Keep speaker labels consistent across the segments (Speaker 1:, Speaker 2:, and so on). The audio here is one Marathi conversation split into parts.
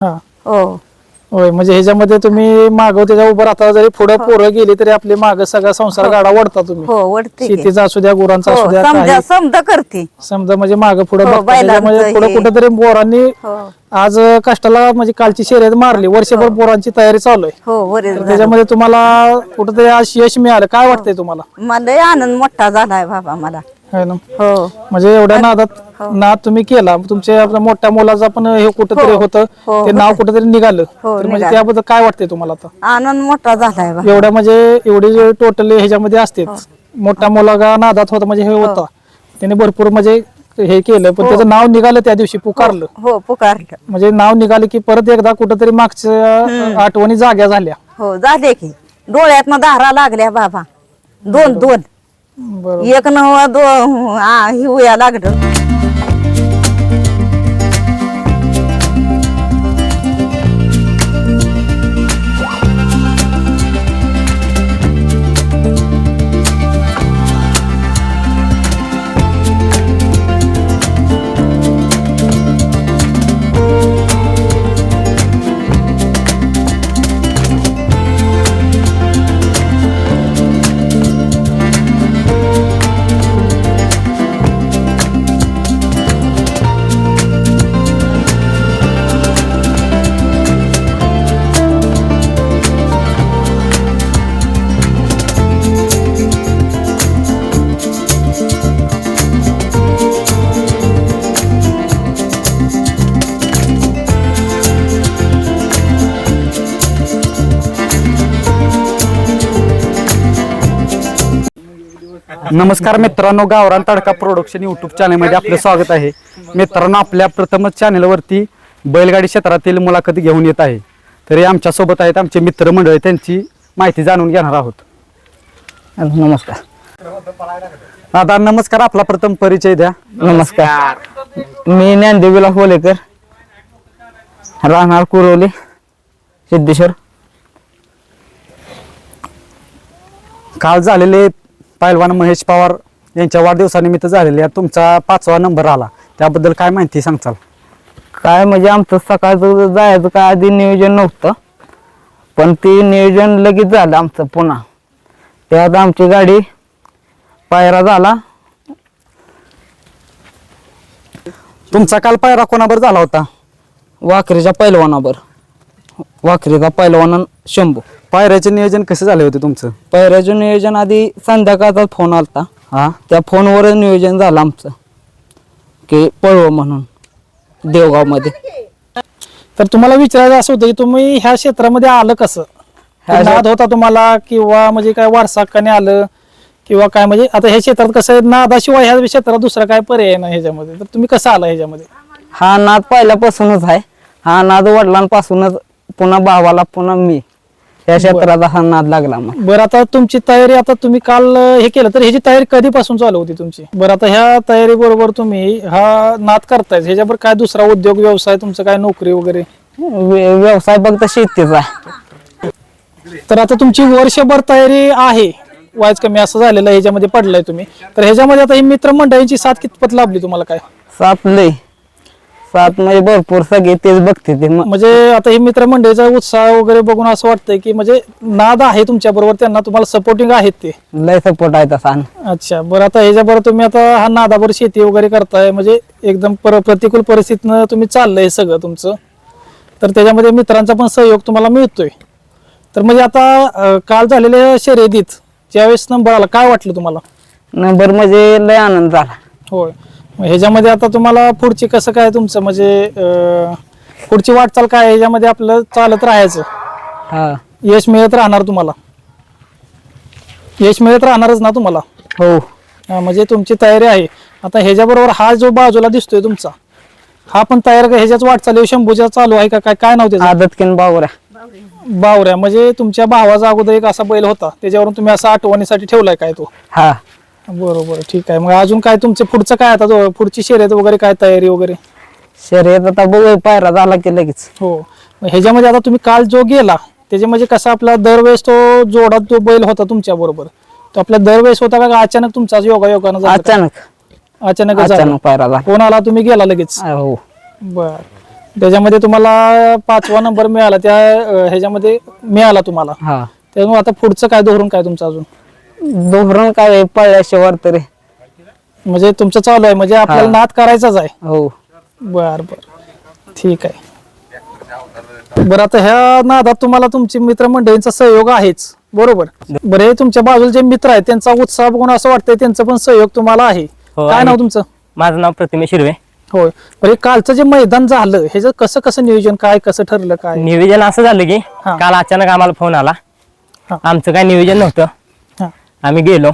Speaker 1: हा
Speaker 2: हो
Speaker 1: होय म्हणजे ह्याच्यामध्ये तुम्ही मागव त्याच्या उभं राहता जरी पुढे पोरं गेली तरी आपले माग सगळा संसार गाडा वडता तुम्ही
Speaker 2: हो वडते की.
Speaker 1: शेतीचा असू द्या गुरांचा असू
Speaker 2: हो
Speaker 1: द्या
Speaker 2: समजा
Speaker 1: काही
Speaker 2: समजा करते.
Speaker 1: समजा म्हणजे माग पुढे
Speaker 2: हो,
Speaker 1: बघता त्याच्यामध्ये
Speaker 2: बैलांचं
Speaker 1: पुढे
Speaker 2: हे.
Speaker 1: कुठेतरी बोरांनी
Speaker 2: हो
Speaker 1: आज कष्टाला म्हणजे कालची शर्यत मारली वर्षभर बोरांची तयारी चालू आहे
Speaker 2: हो बरेच
Speaker 1: तर
Speaker 2: झालं.
Speaker 1: त्याच्यामध्ये तुम्हाला कुठेतरी आज यश मिळालं काय वाटतंय तुम्हाला
Speaker 2: मला लय आनंद मोठा झालाय बाबा मला.
Speaker 1: है ना
Speaker 2: हो
Speaker 1: म्हणजे एवढ्या नादात
Speaker 2: हो.
Speaker 1: नाद तुम्ही केला तुमच्या आपल्या मोठ्या मुलाचा पण हे कुठेतरी
Speaker 2: हो.
Speaker 1: होतं
Speaker 2: हो,
Speaker 1: ते नाव
Speaker 2: होतं.
Speaker 1: कुठेतरी निघालं
Speaker 2: हो,
Speaker 1: तर म्हणजे
Speaker 2: निघालं.
Speaker 1: त्याबद्दल काय वाटतंय तुम्हाला आता
Speaker 2: आनंद मोठा झालाय बाबा.
Speaker 1: एवढ्या म्हणजे एवढी जे टोटल ह्याच्यामध्ये असतेच मोठा मुलगा नादात होता म्हणजे हे होता त्याने भरपूर म्हणजे हे केलं पण त्याचं नाव निघालं त्या दिवशी पुकारलं
Speaker 2: हो पुकारलं.
Speaker 1: म्हणजे नाव निघालं की परत एकदा कुठेतरी मागच्या आठवणी जाग्या झाल्या
Speaker 2: हो झाले की डोळ्यातनं धारा लागल्या बाबा. दोन दोन
Speaker 1: बरोबर
Speaker 2: एक नवा हिवया लागलं.
Speaker 3: नमस्कार मित्रांनो, गावरान तडका प्रोडक्शन यूट्यूब चॅनलमध्ये आपलं स्वागत आहे. मित्रांनो, आपल्या प्रथमच चॅनलवरती बैलगाडी क्षेत्रातील मुलाखत घेऊन येत आहे. तरी आमच्या सोबत आहेत आमचे मित्रमंडळी, त्यांची माहिती जाणून घेणार आहोत.
Speaker 4: नमस्कार
Speaker 3: दादा नमस्कार, आपला प्रथम परिचय द्या.
Speaker 4: नमस्कार. मी ज्ञानदेवीला होलेकर, राहणार कुरोली, सिद्धेश्वर.
Speaker 3: काल झालेले पैलवान महेश पवार यांच्या वाढदिवसानिमित्त झालेले तुमचा 5वा नंबर आला, त्याबद्दल काय माहिती सांगचाल?
Speaker 4: काय म्हणजे आमचं सकाळचं जायचं काय आधी नियोजन नव्हतं, पण ते नियोजन लगेच झालं आमचं पुन्हा. त्यात आमची गाडी पायरा झाला.
Speaker 3: तुमचा काल पायरा कोणाबर झाला होता?
Speaker 4: वाखरीच्या पैलवानावर, वाखरीचा पैलवान शंभू.
Speaker 3: पायऱ्याचे नियोजन कसे झाले होते तुमचं?
Speaker 4: पायऱ्याचं नियोजन आधी संध्याकाळचा फोन आलता,
Speaker 3: हा,
Speaker 4: त्या फोनवरच नियोजन झालं आमचं की पळव म्हणून देवगावमध्ये.
Speaker 1: तर तुम्हाला विचारायचं असं होतं की तुम्ही ह्या क्षेत्रामध्ये आलं कसं? नाद होता तुम्हाला किंवा म्हणजे काय वारसाकाने आलं किंवा काय? म्हणजे आता ह्या क्षेत्रात कसं आहे, नादाशिवाय ह्या क्षेत्रात दुसरा काय पर्याय नाही ह्याच्यामध्ये, तर तुम्ही कसं आला ह्याच्यामध्ये?
Speaker 4: हा नाद पहिल्यापासूनच आहे. हा नाद वडिलांपासूनच, पुन्हा भावाला, पुन्हा मी या क्षेत्रात हा नाद लागला. मग
Speaker 1: बरं, आता तुमची तयारी, आता तुम्ही काल हे केलं तर ह्याची तयारी कधीपासून चालू होती तुमची? बरं, आता ह्या तयारी बरोबर तुम्ही हा नाद करताय, ह्याच्यावर काय दुसरा उद्योग व्यवसाय तुमचं काय, नोकरी वगैरे?
Speaker 4: व्यवसाय फक्त शेतीचा आहे.
Speaker 1: तर आता तुमची वर्षभर तयारी आहे, वायच कमी असं झालेलं आहे, ह्याच्यामध्ये पडलाय तुम्ही. तर ह्याच्यामध्ये आता ही मित्रमंडळींची साथ कितपत लाभली तुम्हाला? काय
Speaker 4: सात लय सात म्हणजे भरपूर, सगळे तेच बघते ते.
Speaker 1: म्हणजे आता ही मित्रमंडळीचा उत्साह वगैरे बघून असं वाटतंय की म्हणजे नाद आहे तुमच्या बरोबर, त्यांना तुम्हाला सपोर्टिंग आहेत ते?
Speaker 4: लय सपोर्ट आहे तसा.
Speaker 1: अच्छा, बरं, आता ह्याच्याबरोबर तुम्ही आता हा नादावर शेती वगैरे करताय, म्हणजे एकदम प्रतिकूल परिस्थितीनं तुम्ही चाललंय सगळं तुमचं, तर त्याच्यामध्ये मित्रांचा पण सहयोग तुम्हाला मिळतोय. तर म्हणजे आता काल झालेल्या शर्यतीत ज्यावेळेस नंबर आला, काय वाटलं तुम्हाला?
Speaker 4: नंबर म्हणजे लय आनंद झाला.
Speaker 1: होय, ह्याच्यामध्ये आता तुम्हाला पुढची कसं काय तुमचं म्हणजे पुढची वाटचाल काय? ह्याच्यामध्ये आपलं चालत राहायचं,
Speaker 4: हा
Speaker 1: यश मिळत राहणार तुम्हाला? यश मिळत राहणारच ना तुम्हाला?
Speaker 4: हो.
Speaker 1: म्हणजे तुमची तयारी आहे. आता ह्याच्याबरोबर हा जो बाजूला दिसतोय तुमचा, हा पण तयार का ह्याच्याच वाटचाल शंभूच्या चालू आहे का? काय काय नाव त्याचं?
Speaker 4: आदत किन बावऱ्या.
Speaker 1: बावऱ्या. म्हणजे तुमच्या भावाचा अगोदर एक असा बैल होता, त्याच्यावरून तुम्ही असा आठवणीसाठी ठेवलाय काय तो?
Speaker 4: हा
Speaker 1: बरोबर, ठीक आहे. मग अजून काय तुमचं पुढचं काय, आता पुढची शर्यत वगैरे काय, तयारी वगैरे?
Speaker 4: शर्यत आता बघू, पायरा झाला की लगेच.
Speaker 1: हो, मग ह्याच्यामध्ये आता तुम्ही काल जो गेला त्याच्या म्हणजे कसा आपला दरवेळेस तो जोडात जो बैल होता तुमच्या बरोबर, तो आपल्या दरवेळेस होता का अचानक तुमचा योगायोगानं झाला?
Speaker 4: अचानक
Speaker 1: अचानक
Speaker 4: अचानक पायरा झाला.
Speaker 1: कोण आला, तुम्ही गेला लगेच?
Speaker 4: हो.
Speaker 1: बर, त्याच्यामध्ये तुम्हाला 5वा नंबर मिळाला त्या ह्याच्यामध्ये मिळाला तुम्हाला.
Speaker 4: हा
Speaker 1: त्यामुळे आता पुढचं काय धोरण काय तुमचं अजून
Speaker 4: धोरण काय आहे, पळल्याशिवाय तरी.
Speaker 1: म्हणजे तुमचं चालू आहे म्हणजे आपल्याला नाद करायचाच आहे.
Speaker 4: हो
Speaker 1: बर बर ठीक आहे. बरं आता ह्या नादात तुम्हाला तुमची मित्रमंडळींचा सहयोग आहेच बरोबर. बरं हे तुमच्या बाजूला जे मित्र आहेत त्यांचा उत्साह बघून असं वाटतंय त्यांचा पण सहयोग तुम्हाला आहे.
Speaker 5: हो,
Speaker 1: काय
Speaker 5: आहे.
Speaker 1: नाव तुमचं?
Speaker 5: माझं नाव प्रतिमेश हिरवे.
Speaker 1: होय. बरं हे कालचं जे मैदान झालं ह्याचं कसं कसं नियोजन काय कसं ठरलं काय?
Speaker 5: नियोजन असं झालं की
Speaker 1: हा.
Speaker 5: काल अचानक आम्हाला फोन आला.
Speaker 1: हा.
Speaker 5: आमचं काय नियोजन नव्हतं.
Speaker 1: हा
Speaker 5: आम्ही गेलो,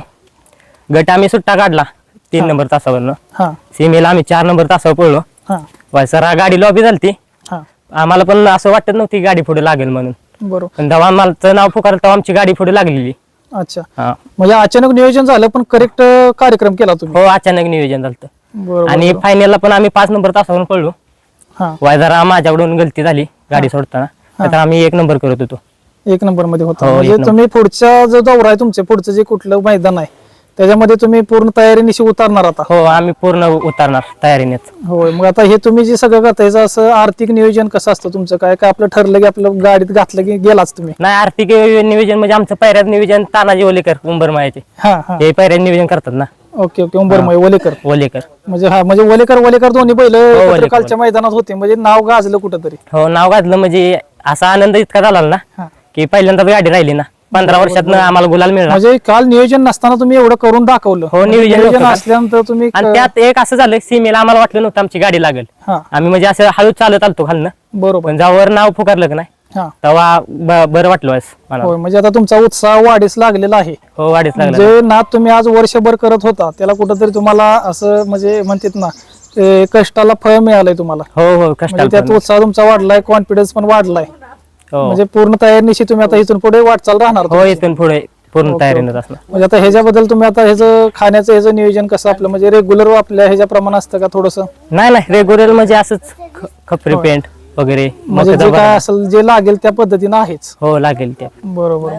Speaker 5: गट आम्ही सुट्टा काढला 3 नंबर तासावरनं.
Speaker 1: हा
Speaker 5: सीमेला आम्ही 4 नंबर तासावर पळलो.
Speaker 1: हा
Speaker 5: वायसरा गाडी लॉबी झालती.
Speaker 1: हा
Speaker 5: आम्हाला पण असं वाटत नव्हती गाडी पुढे लागेल म्हणून,
Speaker 1: बरोबर.
Speaker 5: पण जेव्हा आम्हाला नाव पुकारलं तेव्हा आमची गाडी पुढे लागलेली.
Speaker 1: अच्छा
Speaker 5: हा.
Speaker 1: म्हणजे अचानक नियोजन झालं पण करेक्ट कार्यक्रम केला तुम्ही.
Speaker 5: हो, अचानक नियोजन झालं.
Speaker 1: बरोबर
Speaker 5: आणि
Speaker 1: बरोबर.
Speaker 5: फायनलला पण आम्ही 5 नंबर तासावरून पळलो.
Speaker 1: हा
Speaker 5: वायझरा माझ्याकडून गलती झाली गाडी सोडताना, तर आम्ही 1 नंबर करत होतो.
Speaker 1: 1 नंबर मध्ये होता.
Speaker 5: हो,
Speaker 1: म्हणजे
Speaker 5: 1 नंबर.
Speaker 1: तुम्ही पुढचा जो दौरा आहे तुमचे पुढचं जे कुठलं मैदान आहे त्याच्यामध्ये तुम्ही पूर्ण तयारीनिशी उतरणार आता.
Speaker 5: हो, आम्ही पूर्ण उतरणार तयारीनेच.
Speaker 1: होय. मग आता हे तुम्ही जे सगळं करता याचं असं आर्थिक नियोजन कसं असतं तुमचं काय काय आपलं ठरलं की आपलं गाडीत घातलं की गेलाच तुम्ही?
Speaker 5: नाही, आर्थिक नियोजन म्हणजे आमचं पैऱ्यात नियोजन तानाजी ओलेकर उंबरमायाचे
Speaker 1: हा हा
Speaker 5: हे पैऱ्यात नियोजन करतात ना.
Speaker 1: ओके ओके उंबरमय वलेकर.
Speaker 5: ओलेकर.
Speaker 1: म्हणजे हा म्हणजे वलेकर दोन्ही बैल
Speaker 5: वलेकर.
Speaker 1: कालच्या मैदानात होते म्हणजे नाव गाजलं कुठंतरी.
Speaker 5: हो, नाव घातलं म्हणजे असा आनंद इतका झाला ना
Speaker 1: हा.
Speaker 5: की पहिल्यांदा गाडी राहिली ना. 15 वर्षात आम्हाला गुलाल मिळाला.
Speaker 1: म्हणजे काल नियोजन नसताना तुम्ही एवढं करून दाखवलं.
Speaker 5: हो, नियोजन
Speaker 1: नियोजन
Speaker 5: नव्हतं.
Speaker 1: असल्यानंतर तुम्ही
Speaker 5: आणि त्यात एक असं झालं, सीमेला आम्हाला वाटलं नव्हतं आमची गाडी लागेल.
Speaker 1: हा
Speaker 5: आम्ही म्हणजे असं हळूच चालत आलतो खालनं,
Speaker 1: बरोबर.
Speaker 5: पण जेव्हा नाव पुकारलं की नाही
Speaker 1: हा
Speaker 5: तेव्हा बरं वाटलं वास मला.
Speaker 1: होय. म्हणजे आता तुमचा उत्साह वाढीस लागलेला आहे.
Speaker 5: हो, वाढीच लागला.
Speaker 1: जे नाद तुम्ही आज वर्षभर करत होता त्याला कुठंतरी तुम्हाला असं म्हणजे म्हणतात ना ते कष्टाला फळ मिळालंय तुम्हाला.
Speaker 5: हो हो,
Speaker 1: म्हणजे
Speaker 5: कष्टाला
Speaker 1: त्यात
Speaker 5: पण.
Speaker 1: उत्साह तुमचा वाढलाय कॉन्फिडन्स पण वाढलाय.
Speaker 5: हो
Speaker 1: म्हणजे पूर्ण तयारीनिशी तुम्ही आता इथून पुढे वाटचाल राहणार
Speaker 5: हो,
Speaker 1: तुमची.
Speaker 5: इथून पुढे पूर्ण
Speaker 1: ओके,
Speaker 5: तयारीनेच असणार.
Speaker 1: म्हणजे आता ह्याच्याबद्दल तुम्ही आता ह्याचं खाण्याचं ह्याचं नियोजन कसं आपलं म्हणजे रेग्युलर आपल्या ह्याच्या प्रमाण असतं का थोडस
Speaker 5: नाही नाही, रेग्युलर म्हणजे असंच खपरी पेंट वगैरे
Speaker 1: म्हणजे
Speaker 5: मग
Speaker 1: जे काय असेल जे लागेल त्या पद्धतीनं आहेच.
Speaker 5: हो, लागेल त्या.
Speaker 1: बरोबर.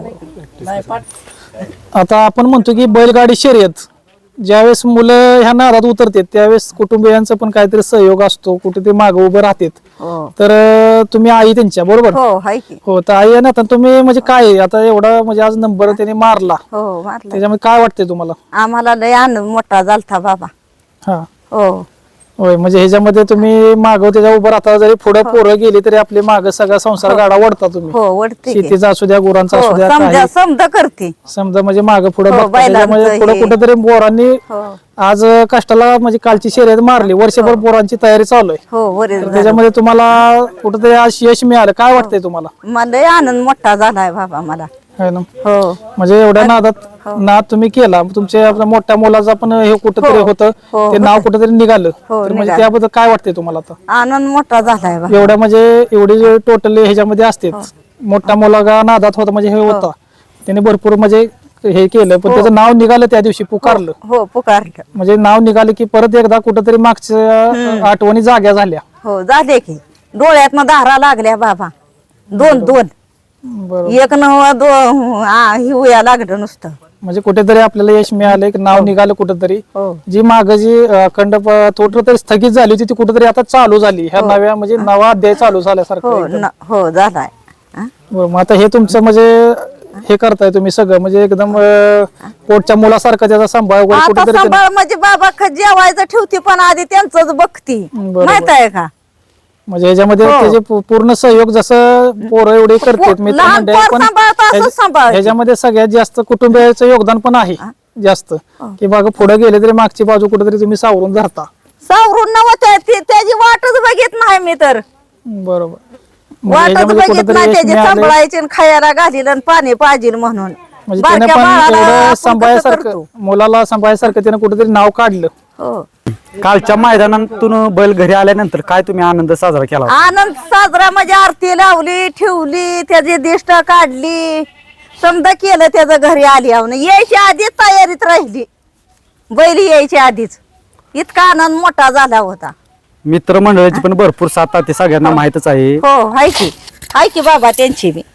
Speaker 1: आता आपण म्हणतो की बैलगाडी शर्यत ज्यावेळेस मुलं ह्या नादात उतरतात त्यावेळेस कुटुंबियांचा पण काहीतरी सहयोग असतो कुठेतरी मागे उभे राहतात.
Speaker 2: हो
Speaker 1: तर तुम्ही आई त्यांच्या बरोबर.
Speaker 2: हो हाय की.
Speaker 1: हो तर आई आहे ना आता तुम्ही म्हणजे काय आता एवढा म्हणजे आज नंबर त्याने मारला
Speaker 2: हो मारलं.
Speaker 1: त्याच्यामध्ये काय वाटतंय तुम्हाला?
Speaker 2: आम्हाला लय आनंद मोठा झालता बाबा.
Speaker 1: हा
Speaker 2: हो
Speaker 1: होय. म्हणजे ह्याच्यामध्ये तुम्ही मागं त्याच्या उभं राहता जरी पुढे पोरं गेली तरी आपले मागं सगळा संसार गाडा वडता तुम्ही.
Speaker 2: हो वडते की.
Speaker 1: शेतीचा असू द्या गुरांचा
Speaker 2: हो
Speaker 1: असू द्या
Speaker 2: समजा
Speaker 1: काही
Speaker 2: समजा करते.
Speaker 1: समजा म्हणजे मागं पुढे
Speaker 2: हो,
Speaker 1: त्याच्यामध्ये
Speaker 2: बैलांचं
Speaker 1: पुढे
Speaker 2: हे.
Speaker 1: कुठेतरी पोरांनी
Speaker 2: हो
Speaker 1: आज कष्टाला म्हणजे कालची शर्यत मारली वर्षभर पोरांची तयारी चालू आहे.
Speaker 2: हो बरे
Speaker 1: तर त्याच्यामध्ये तुम्हाला कुठेतरी आज यश मिळालं काय वाटतंय तुम्हाला?
Speaker 2: मला लय आनंद मोठा झालाय बाबा मला.
Speaker 1: है ना.
Speaker 2: हो
Speaker 1: म्हणजे एवढ्या नादात नाद तुम्ही केला तुमच्या आपल्या मोठ्या मुलाचा पण हे कुठेतरी होतं
Speaker 2: हो,
Speaker 1: ते नाव कुठेतरी निघालं.
Speaker 2: हो,
Speaker 1: तर म्हणजे
Speaker 2: निघालं.
Speaker 1: त्याबद्दल काय वाटतंय तुम्हाला आता?
Speaker 2: आनंद मोठा झालाय बाबा.
Speaker 1: एवढ्या म्हणजे एवढी टोटली ह्याच्यामध्ये असते मोठा मुलगा नादात होता म्हणजे हे होता त्याने भरपूर म्हणजे हे केलं पण त्याचं नाव निघालं त्या दिवशी पुकारलं.
Speaker 2: हो पुकारलं.
Speaker 1: म्हणजे नाव निघालं की परत एकदा कुठेतरी मागच्या आठवणी जाग्या झाल्या.
Speaker 2: हो झाले की डोळ्यात धारा लागल्या बाबा. दोन
Speaker 1: बरोबर.
Speaker 2: एक नव हिवया लागलं नुसतं.
Speaker 1: म्हणजे कुठेतरी आपल्याला यश मिळालं एक नाव निघालं कुठेतरी.
Speaker 2: हो
Speaker 1: जी माग जी अखंड कुठेतरी स्थगित झाली होती ती कुठेतरी आता चालू झाली ह्या नव्या म्हणजे नवा अध्याय चालू झाल्यासारखं
Speaker 2: हो
Speaker 1: एकदम.
Speaker 2: हो झालाय. हा?
Speaker 1: बरं, मग आता हे तुमचं म्हणजे हे करताय तुम्ही सगळं म्हणजे एकदम पोटच्या मुलासारखं त्याचा सांभाळ वगैरे
Speaker 2: आता
Speaker 1: कुठेतरी
Speaker 2: सांभाळ म्हणजे बाबा जेवायचं ठेवती पण आधी त्यांचंच बघती
Speaker 1: बरोबर.
Speaker 2: माहित आहे का.
Speaker 1: म्हणजे ह्याच्यामध्ये त्याचे पूर्ण सहयोग जसं पोरं एवढे करतात
Speaker 2: लहान पोर सांभाळतं असं सांभाळतं.
Speaker 1: ह्याच्यामध्ये सगळ्यात जास्त कुटुंबियाचं योगदान पण आहे जास्त की बाबा पुढे गेले तरी मागची बाजू कुठेतरी तुम्ही सावरून धरता.
Speaker 2: सावरून नव्हत्या त्याची वाटच बघित नाही मी तर.
Speaker 1: बरोबर. म्हणजे
Speaker 2: वाटच
Speaker 1: ह्याच्यामध्ये
Speaker 2: बघित
Speaker 1: कुठेतरी
Speaker 2: नाही
Speaker 1: यश
Speaker 2: त्याची
Speaker 1: मिळालंय.
Speaker 2: सांभाळायची आणि खायला घालील आणि पाणी पाहिजे म्हणून.
Speaker 1: म्हणजे त्याने
Speaker 2: बारक्या
Speaker 1: पण
Speaker 2: बाळाला
Speaker 1: एवढं
Speaker 2: आपण कसं
Speaker 1: सांभाळायसारखं
Speaker 2: करतो?
Speaker 1: मुलाला सांभाळायसारखं त्याने कुठेतरी नाव काढलं.
Speaker 2: हो
Speaker 3: कालच्या मैदानातून बैल घरी आल्यानंतर काय तुम्ही आनंद साजरा केला?
Speaker 2: आनंद साजरा म्हणजे आरती लावली ठेवली त्याची दिष्ट काढली समजा केलं त्याचं घरी आली आवन यायच्या आधीच तयारीत राहिली. बैल यायच्या आधीच इतका आनंद मोठा झाला होता.
Speaker 3: मित्रमंडळाची पण भरपूर साथ आहे, ते सगळ्यांना माहितच आहे.
Speaker 2: हो हाय की बाबा त्यांची बी.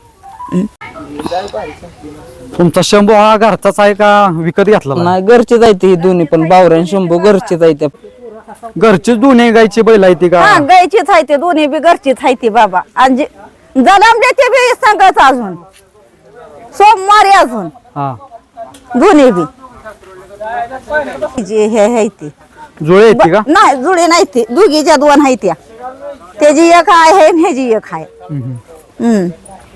Speaker 3: तुमचा शंभू हा घरचाच आहे का विकत घेतला?
Speaker 4: नाही घरचीच आहे ती दोन्ही पण बावऱ्या शंभू घरचीच आहे त्या.
Speaker 3: घरचीच दोन्ही गायची बैल आहे ती का
Speaker 2: हा गायचीच आहे ते दोन्ही बी घरचीच आहे ती बाबा आणि जलमले ते बी सांगत अजून सोमवारी अजून
Speaker 3: हा
Speaker 2: दोन्ही बी जे हे आहे ती
Speaker 3: जुळे येते का
Speaker 2: नाही जुळे नाही ते दोघीच्या दोन आहे त्या त्याची एक आहे आणि ह्याची एक आहे हम्म.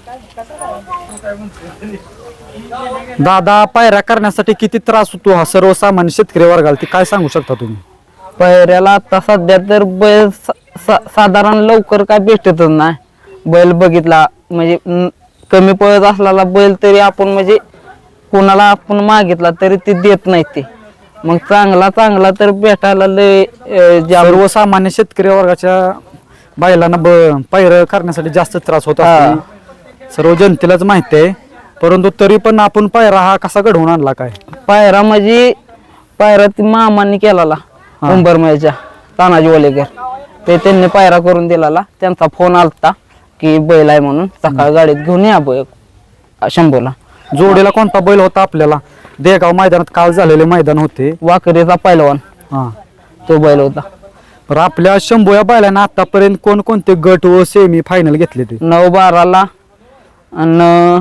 Speaker 3: दादा पायऱ्या करण्यासाठी किती त्रास होतो हा सर्वसामान्य शेतकरी वर्गाला ते काय सांगू शकता तुम्ही
Speaker 4: पायऱ्याला आता सध्या तर बैल साधारण लवकर काय भेटतच नाही बैल बघितला म्हणजे कमी पळत असलेला बैल तरी आपण म्हणजे कोणाला आपण मागितला तरी ते देत नाही ते मग चांगला तर भेटायला लय
Speaker 3: सर्वसामान्य शेतकरी वर्गाच्या बैलांना पायऱ्या करण्यासाठी जास्त त्रास होत असतो सर्व जनतेलाच माहिती आहे परंतु तरी पण आपण पायरा हा कसा घडवून आणला काय
Speaker 4: पायरा म्हणजे पायरा ती मामांनी केलेला उंबरमळच्या तानाजी ओलेकर ते त्यांनी पायरा करून दिलेला त्यांचा फोन आलता की बैल आहे म्हणून सकाळ गाडीत घेऊन या शंभूला
Speaker 3: जोडीला कोणता बैल होता आपल्याला देगाव मैदानात काल झालेले मैदान होते
Speaker 4: वाकरीचा पैलवान
Speaker 3: हा
Speaker 4: तो बैल होता
Speaker 3: तर आपल्या शंभू या बैलांना आतापर्यंत कोणकोणते गट व सेमी फायनल घेतले ते
Speaker 4: 9-12ला आणि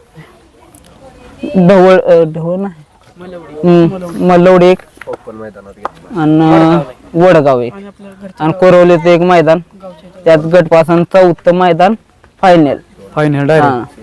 Speaker 4: ढवळ नाही मलवडी एक आणि वडगाव एक आणि कोरवलीचं एक मैदान त्यात गटपासून 4थं मैदान फायनल
Speaker 3: डायरेक्ट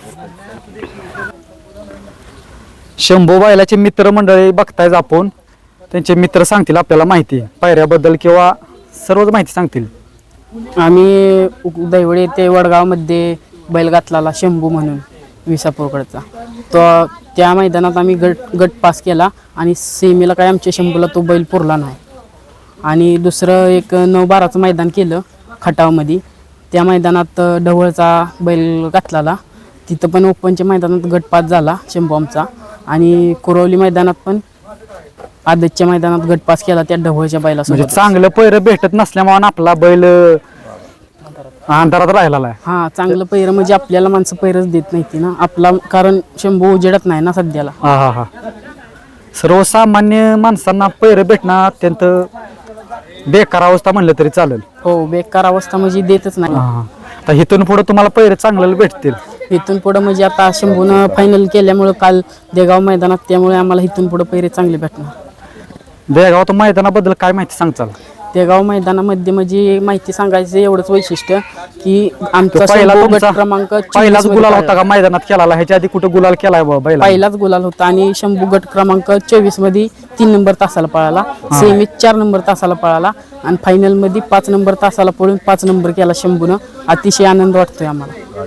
Speaker 3: शंभू बैलाचे मित्रमंडळी बघतायच आपण त्यांचे मित्र सांगतील आपल्याला माहिती पायऱ्याबद्दल किंवा सर्वच माहिती सांगतील
Speaker 6: आम्ही दैवळे ते वडगावमध्ये बैल घातलेला शंभू म्हणून विसापूरकडचा तो त्या मैदानात आम्ही गट पास केला आणि सेमीला काय आमच्या शंभूला तो बैल पुरला नाही आणि दुसरं एक 9-12चं मैदान केलं खटावमध्ये त्या मैदानात ढवळचा बैल घातलेला तिथं पण ओपनच्या मैदानात गट पास झाला शंभू आमचा आणि कुरवली मैदानात पण आदतच्या मैदानात गट पास केला त्या ढवळच्या
Speaker 3: म्हणजे
Speaker 6: बैलासोबत
Speaker 3: चांगलं पैर भेटत नसल्यामुळे आपला बैल अंधारात राहिला आहे
Speaker 6: हा चांगलं पैर म्हणजे आपल्याला माणसं पैरच देत नाही ती ना आपला कारण शंभू उजेडत नाही ना सध्याला
Speaker 3: हा सर्वसामान्य माणसांना पैर भेटणं अत्यंत बेकार अवस्था म्हणलं तरी चालेल
Speaker 6: हो बेकार अवस्था म्हणजे देतच नाही
Speaker 3: आता इथून पुढे तुम्हाला पैर चांगल्याला भेटतील
Speaker 6: इथून पुढं म्हणजे आता शंभूनं फायनल केल्यामुळं काल देगाव मैदानात त्यामुळे आम्हाला इथून पुढं पैरे चांगले भेटणार
Speaker 3: देगाव मैदानाबद्दल काय माहिती सांगचाल
Speaker 6: देगाव मैदानामध्ये म्हणजे माहिती सांगायचं एवढंच वैशिष्ट्य की आमचा
Speaker 3: पहिला
Speaker 6: शंभू गट
Speaker 3: तुमचा
Speaker 6: क्रमांक 24
Speaker 3: पहिलाच
Speaker 6: मध्ये
Speaker 3: गुलाल
Speaker 6: पळाला.
Speaker 3: होता का मैदानात केला ह्याच्या आधी कुठे गुलाल केलाय बैला
Speaker 6: पहिलाच गुलाल होता आणि शंभू गट क्रमांक 24 मध्ये 3 नंबर तासाला पळाला सेमीत 4 नंबर तासाला पळाला आणि फायनल मध्ये 5 नंबर तासाला पळून 5 नंबर केला शंभूनं अतिशय आनंद वाटतोय आम्हाला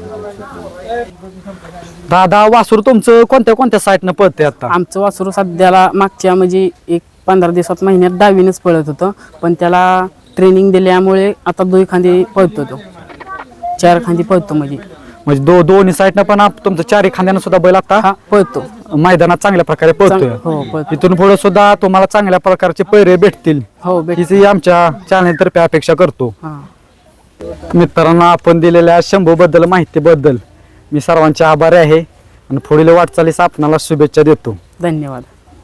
Speaker 3: दादा वासूर तुमचं कोणत्या साईडनं पळते आता
Speaker 6: आमचं वासरू सध्याला मागच्या म्हणजे एक 15 दिवसात महिन्यात 10वीनच पळत होतं पण त्याला ट्रेनिंग दिल्यामुळे आता 2 खांदी पळतो तो 4 खांदी पळतो म्हणजे
Speaker 3: दोन्ही साईडनं पण तुमचं 4 खांद्यानं सुद्धा बैल आता
Speaker 6: हा पळतो
Speaker 3: मैदानात चांगल्या प्रकारे पळतोय
Speaker 6: हो पळतो
Speaker 3: इथून पुढे सुद्धा तुम्हाला चांगल्या प्रकारचे पैरे भेटतील
Speaker 6: हो
Speaker 3: हीच आमच्या चॅनल तर्फे अपेक्षा करतो
Speaker 6: हा
Speaker 3: मित्रांनो आपण दिलेल्या शंभू बद्दल माहितीबद्दल मी सर्वांचे आभारी आहे आणि पुढील वाटचालीस आपणाला शुभेच्छा देतो
Speaker 6: धन्यवाद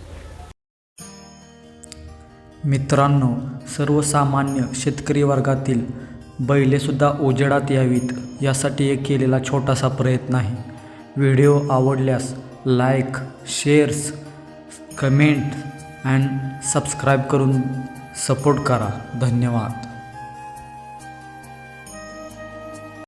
Speaker 7: मित्रांनो सर्वसामान्य शेतकरी वर्गातील बैलेसुद्धा उजेडात यावीत यासाठी एक केलेला छोटासा प्रयत्न आहे. व्हिडिओ आवडल्यास like shares comment and subscribe करून सपोर्ट करा. धन्यवाद.